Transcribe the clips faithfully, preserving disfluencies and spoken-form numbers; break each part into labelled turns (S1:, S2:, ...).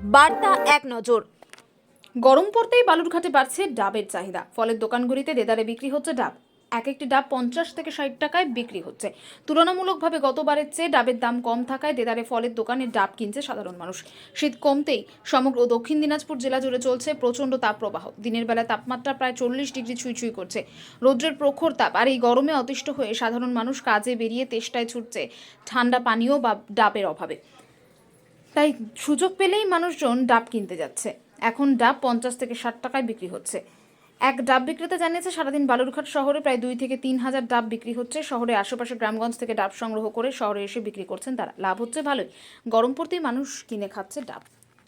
S1: বার্তা এক নজর। গরম পড়তেই বালুরঘাটে বাড়ছে ডাবের চাহিদা। ফলের দোকানগুলিতে দেদারে বিক্রি হচ্ছে ডাব। এক একটি ডাব পঞ্চাশ থেকে ষাট টাকায় বিক্রি হচ্ছে। তুলনামূলকভাবে গতবারের চেয়ে ডাবের দাম কম থাকায় দেদারে ফলের দোকানে ডাব কিনছে সাধারণ মানুষ। শীত কমতেই সমগ্র দক্ষিণ দিনাজপুর জেলা জুড়ে চলছে প্রচণ্ড তাপপ্রবাহ। দিনের বেলা তাপমাত্রা প্রায় চল্লিশ ডিগ্রি ছুঁই ছুঁই করছে। রৌদ্রের প্রখর তাপ আর এই গরমে অতিষ্ঠ হয়ে সাধারণ মানুষ কাজে বেরিয়ে তেষ্টায় ছুটছে ঠান্ডা পানীয় বা ডাবের অভাবে। তাই সুযোগ পেলেই মানুষজন ডাব কিনতে যাচ্ছে। এখন ডাব পঞ্চাশ থেকে ষাট টাকায় বিক্রি হচ্ছে। এক ডাব বিক্রেতা জানিয়েছে, সারাদিন বালুরঘাট শহরে প্রায় দুই থেকে তিন হাজার ডাব বিক্রি হচ্ছে। শহরে আশেপাশে গ্রামগঞ্জ থেকে ডাব সংগ্রহ করে শহরে এসে বিক্রি করছেন তারা। লাভ হচ্ছে ভালোই। গরম পড়তেই মানুষ কিনে খাচ্ছে ডাব।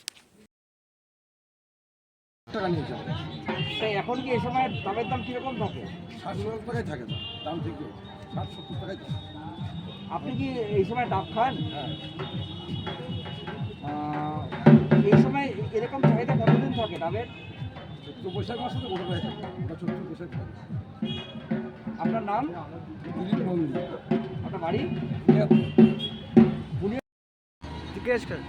S2: টাকা নিয়ে যাবে।
S3: তাই এখন কি এই সময় ডাবের দাম কিরকম থাকে?
S2: ষাট সত্তর টাকায় থাকে না, দাম থেকে ষাট সত্তর টাকায় থাকে।
S3: আপনি কি এই সময় ডাব খান?
S2: হ্যাঁ,
S3: আহ, এই সময় এরকম চাহিদা কতদিন থাকে ডাবের?
S2: চৈত্র বৈশাখ মাসে তো গোটা হয়ে থাকে, ওটা চৈত্র বৈশাখ থাকে।
S3: আপনার নাম?
S2: দিলীপ নন্দী।
S3: আপনার বাড়ি?
S2: জিজ্ঞেস কর।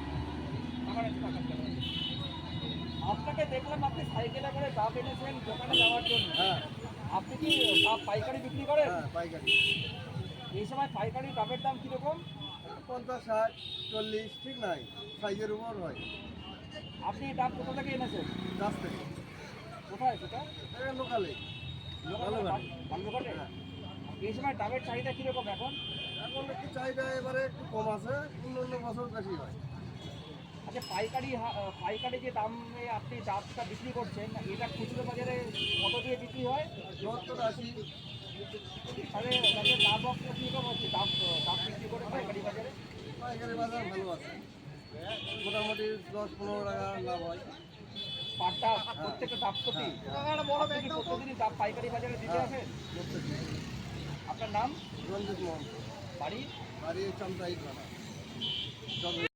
S3: আপনাকে দেখলাম আপনি সাইকেলে করে ডাব এনেছেন দোকানে যাওয়ার জন্য।
S2: হ্যাঁ
S3: আপনি কি ডাব পাইকারি বিক্রি করেন?
S2: হ্যাঁ, পাইকারি
S3: এই সময় পাইকারি ডাবের দাম কিরকম?
S2: পঞ্চাশ ষাট চল্লিশ ঠিক নাই, সাইজের উপর হয়।
S3: আপনি এই ডাব কোথা থেকে এনেছেন?
S2: গাছ থেকে
S3: কোথায় সেটা?
S2: এটা লোকালে ভালোভাবে।
S3: বালুরঘাটে?
S2: হ্যাঁ,
S3: এই সময় ডাবের চাহিদা কিরকম এখন?
S2: এখন একটু চাহিদা এবারে একটু কম আছে, অন্য অন্য বছর বেশি হয়।
S3: আচ্ছা, পাইকারি হা- আহ, পাইকারি যে দামে আপনি ডাবটা বিক্রি করছেন, এটা খুচরো বাজারে কত দিয়ে বিক্রি হয়?
S2: সত্তর আশি।
S3: তাহলে তাদের লাভ অংশ কীরকম হচ্ছে ডাব ডাব বিক্রি করে পাইকারি বাজারে?
S2: পাইকারি বাজার ভালো আছে, মোটামুটি দশ পনেরো টাকা লাভ হয়।
S3: পার ডাব প্রত্যেকটা ডাব প্রতি আপনি কি প্রতিদিনই ডাব পাইকারি বাজারে দিতে
S2: হ্যাঁ।
S3: আসেন?
S2: প্রত্যেকদিন।
S3: আপনার নাম?
S2: রঞ্জিত মোহন,
S3: বাড়ি?
S2: বাড়ি চামচাই থানা।